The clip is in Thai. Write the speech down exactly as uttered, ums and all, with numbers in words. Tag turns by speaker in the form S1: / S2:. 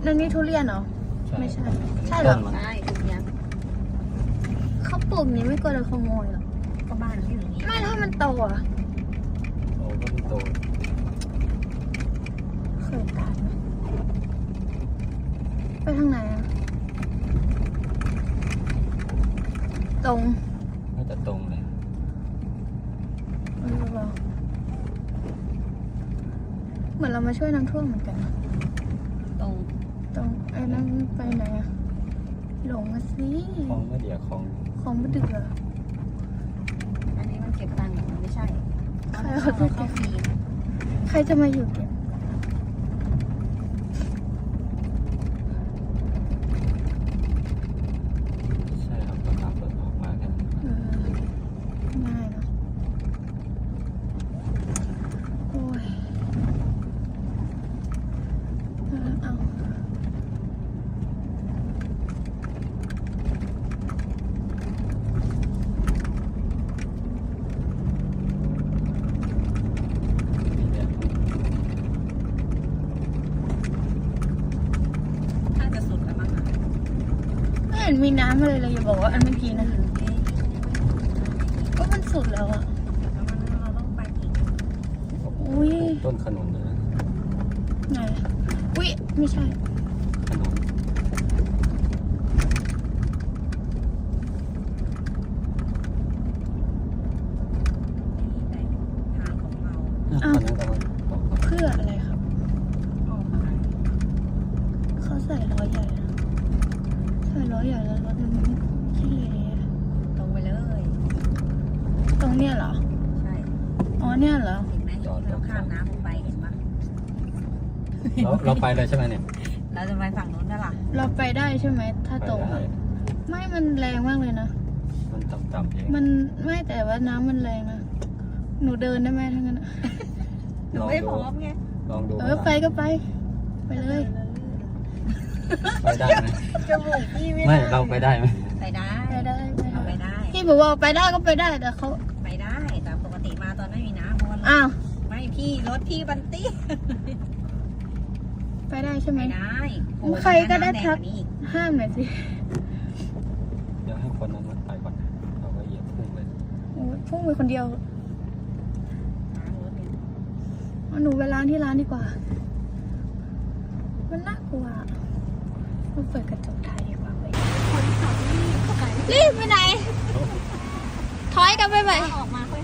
S1: นั่นนี่ทุเรียนเหรอไม่ใช่ใช่เหรอ
S2: ใช่ทุเรียน
S1: เขาปลูกนี้ไม่กลัวโดนขโมยหรอ
S2: ก็บ้านเขาอยู่นี่
S1: ไม่ถ้ามันโตอ่ะ
S3: โอ้ก็ไม่โต
S1: เคยตายไหมไปทางไหนอ่ะตรง
S3: น่าจะตรงเลย
S1: ไม่รู้หรอเหมือนเรามาช่วยน้ำท่วมเหมือนกันนะ
S2: ตรง
S1: ตรงไอ้นั่นไปไหนอะหลงมาสิ
S3: คลองไม่เดียคลอง
S1: คลองไม่ดึกเหรอ
S2: อันนี้มันเก็บตังค์มันไม่ใช่
S1: ใครเขาจะเก็บใครจะมาอยู่เก็บ
S3: ใช่ครับราคาเปิดออกมาแค่นั้น
S1: ง่ายเนาะโอ้ยเอาไม่เห็นมีน้ำอะไรเลยอย่าบอกว่าอันเมื่อกี้นะก็มันสุดแล้วอะ
S2: เราต้องไปอีก
S1: อุ้ย
S3: ต้นขนุนเลย
S1: ไหนอุ้ยไม่ใช่
S3: ขนุน
S2: ทางของเรา
S1: อ้าวเพื่ออะไรครับเขาใส่ล้อใหญ่นะใส่ล้อใหญ่แล้วรถมันขี้เละ
S2: ตรงไปเลย
S1: ตรงเนี้ยเหรอ
S2: ใช่
S1: อ๋อเนี่ยเหรอ
S2: เห็นไหมเราข้ามน้ำลงไปเห็นปะ
S3: เราเราไปเลยใช่ไหมเนี่ย
S2: เราจะไปฝั่งนู้นได้หรอ
S1: เราไปได้ใช่ไหมถ้าตรงไม่มันแรงมากเลยนะ
S3: มันต่ำๆเอง
S1: มันไม่แต่ว่าน้ำมันแรงนะหนูเดินได้ไหมทั้งนั้น
S2: หนูไม่พร้อมไง
S3: ลองดู
S1: เออไปก็ไปไปเลย
S3: ไปได้ไหม
S2: จมูกพี่ไม่
S3: ไม่เราไปได้ไหม
S2: ไปได้
S1: ไปได้
S2: ไปได้
S1: พี่บอกว่าไปได้ก็ไปได้แต่เขา
S2: ไปได้แต่ปกติมาตอนไม่มีน้ำเพราะว่า
S1: อ้าว
S2: ไม่พี่รถพี่บันตี้
S1: ไปได้ใช่ไหม
S2: ไปได้
S1: ใครก็ได้ทักห้ามหน่อยสิ
S3: เดี๋ยวให้คนนั้นมันไปก่อนเราก็เหยียบพุ่งเลย
S1: โอ้พุ่งไปคนเดียวหนูไปร้านที่ร้านดีกว่ามันน่ากลัวเราเปิดกระจกไทยดีกว่าไปรีบไปไหนถอยกันไปไป
S2: ออกมาค่อย